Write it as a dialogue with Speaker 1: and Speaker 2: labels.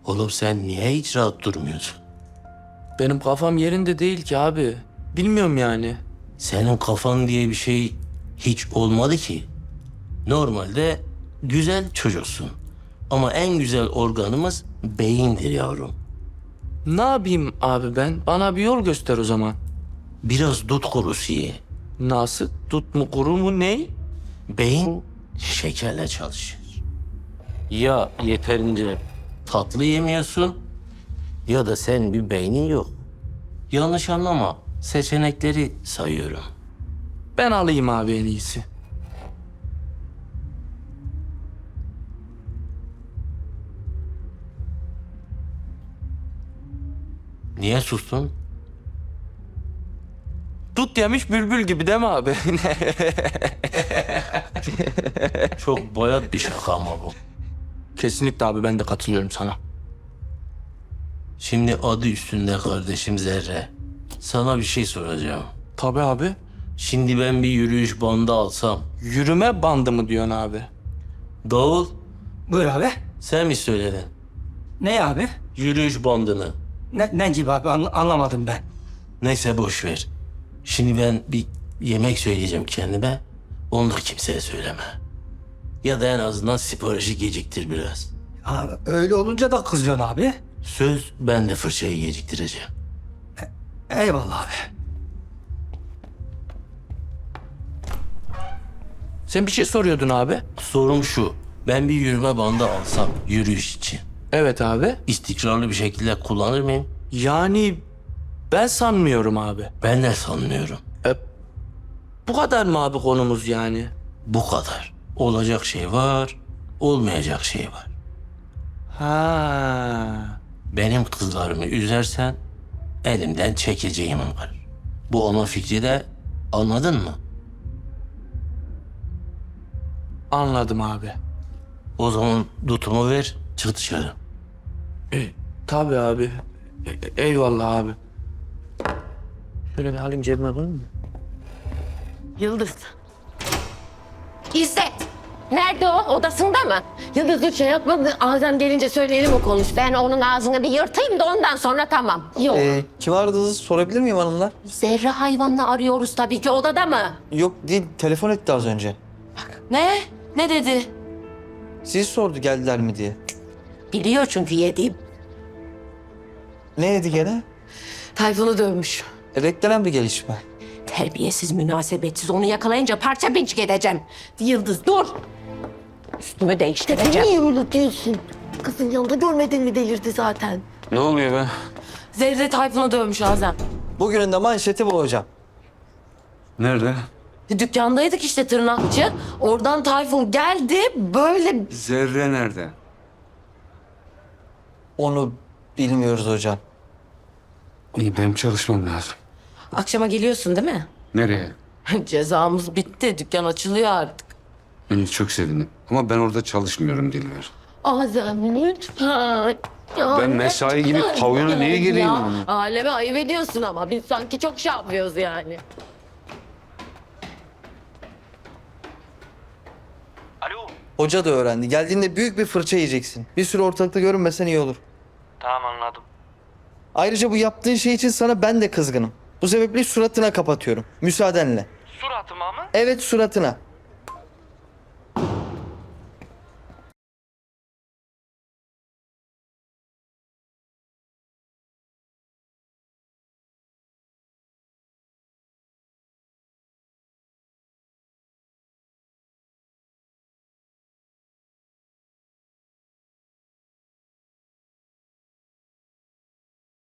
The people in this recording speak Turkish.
Speaker 1: Oğlum sen niye hiç rahat durmuyorsun?
Speaker 2: Benim kafam yerinde değil ki abi. Bilmiyorum yani.
Speaker 1: Senin kafan diye bir şey hiç olmadı ki. Normalde güzel çocuksun. Ama en güzel organımız beyindir yavrum.
Speaker 2: Ne yapayım abi ben? Bana bir yol göster o zaman.
Speaker 1: Biraz dut kurusu ye.
Speaker 2: Nasıl? Tut mu kuru mu ney?
Speaker 1: Beyin şekerle çalışır. Ya yeterince tatlı yemiyorsun ya da sen bir beynin yok. Yanlış anlama. Seçenekleri sayıyorum.
Speaker 2: Ben alayım abi en iyisi.
Speaker 1: Niye sustun?
Speaker 2: Tut yemiş bülbül gibi değil mi abi?
Speaker 1: Çok bayat bir şaka ama bu.
Speaker 2: Kesinlikle abi ben de katılıyorum sana.
Speaker 1: Şimdi adı üstünde kardeşim Zerre. Sana bir şey soracağım.
Speaker 2: Tabii abi.
Speaker 1: Şimdi ben bir yürüyüş bandı alsam.
Speaker 2: Yürüme bandı mı diyorsun abi?
Speaker 1: Davul
Speaker 3: Buyur abi.
Speaker 1: sen mi söyledin?
Speaker 3: Ne abi?
Speaker 1: Yürüyüş bandını.
Speaker 3: Ne gibi abi anlamadım ben.
Speaker 1: Neyse boş ver. Şimdi ben bir yemek söyleyeceğim kendime. Onu da kimseye söyleme. Ya da en azından siparişi geciktir biraz.
Speaker 3: Abi, öyle olunca da kızıyorsun abi.
Speaker 1: Söz ben de fırçayı geciktireceğim.
Speaker 3: Eyvallah abi.
Speaker 2: Sen bir şey soruyordun abi.
Speaker 1: Sorum şu. Ben bir yürüme bandı alsam yürüyüş için.
Speaker 2: Evet abi.
Speaker 1: İstikrarlı bir şekilde kullanır mıyım?
Speaker 2: Yani ben sanmıyorum abi.
Speaker 1: Ben de sanmıyorum.
Speaker 2: Bu kadar mı abi konumuz yani?
Speaker 1: Bu kadar. Olacak şey var, olmayacak şey var.
Speaker 2: Ha.
Speaker 1: Benim kızlarımı üzersen elimden çekeceğim var. Bu onun fikri de anladın mı?
Speaker 2: Anladım abi.
Speaker 1: O zaman dutumu ver, çık dışarı.
Speaker 2: Tabii abi. Eyvallah abi. Şöyle bir alayım cebime koyayım mı?
Speaker 4: Yıldız. İzzet. Nerede o? Odasında mı? Yıldız dur şey yapma. Azem gelince söyleyelim o konuş. Ben onun ağzını bir yırtayım da ondan sonra tamam. Yok.
Speaker 5: Kim aradığınızı sorabilir miyim hanımlar?
Speaker 4: Zerre hayvanını arıyoruz tabii ki. Odada mı?
Speaker 5: Yok değil, telefon etti az önce.
Speaker 4: Ne? Ne dedi?
Speaker 5: Sizi sordu geldiler mi diye.
Speaker 4: Biliyor çünkü yediğim.
Speaker 5: Ne dedi gene?
Speaker 4: Tayfun'u dövmüş.
Speaker 5: Beklenen bir gelişme.
Speaker 4: Terbiyesiz, münasebetsiz. Onu yakalayınca parça pinçik edeceğim. Yıldız dur. Üstümü değiştireceğim.
Speaker 6: Niye öyle diyorsun? Kızın yanında görmedin mi delirdi zaten.
Speaker 2: Ne oluyor be?
Speaker 4: Zerre Tayfun'u dövmüş Azem.
Speaker 5: Bugünün de manşeti bu hocam.
Speaker 7: Nerede?
Speaker 4: Dükkandaydık işte tırnakçı. Oradan Tayfun geldi böyle...
Speaker 7: Zerre nerede?
Speaker 5: Onu bilmiyoruz hocam.
Speaker 7: İyi, benim çalışmam lazım.
Speaker 4: Akşama geliyorsun değil mi?
Speaker 7: Nereye?
Speaker 4: Cezamız bitti. Dükkan açılıyor artık.
Speaker 7: Beni çok sevindim. Ama ben orada çalışmıyorum Dilber.
Speaker 4: Azem lütfen. Ya
Speaker 7: Ben mesai gibi
Speaker 4: lütfen
Speaker 7: pavyona niye gireyim?
Speaker 4: ya? Aleme ayıp ediyorsun ama biz sanki çok şey yapıyoruz yani.
Speaker 5: Hoca da öğrendi. Geldiğinde büyük bir fırça yiyeceksin. Bir süre ortalıkta görünmesen iyi olur.
Speaker 2: Tamam anladım.
Speaker 5: Ayrıca bu yaptığın şey için sana ben de kızgınım. Bu sebeple suratına kapatıyorum. Müsaadenle.
Speaker 2: Suratıma mı?
Speaker 5: Evet suratına.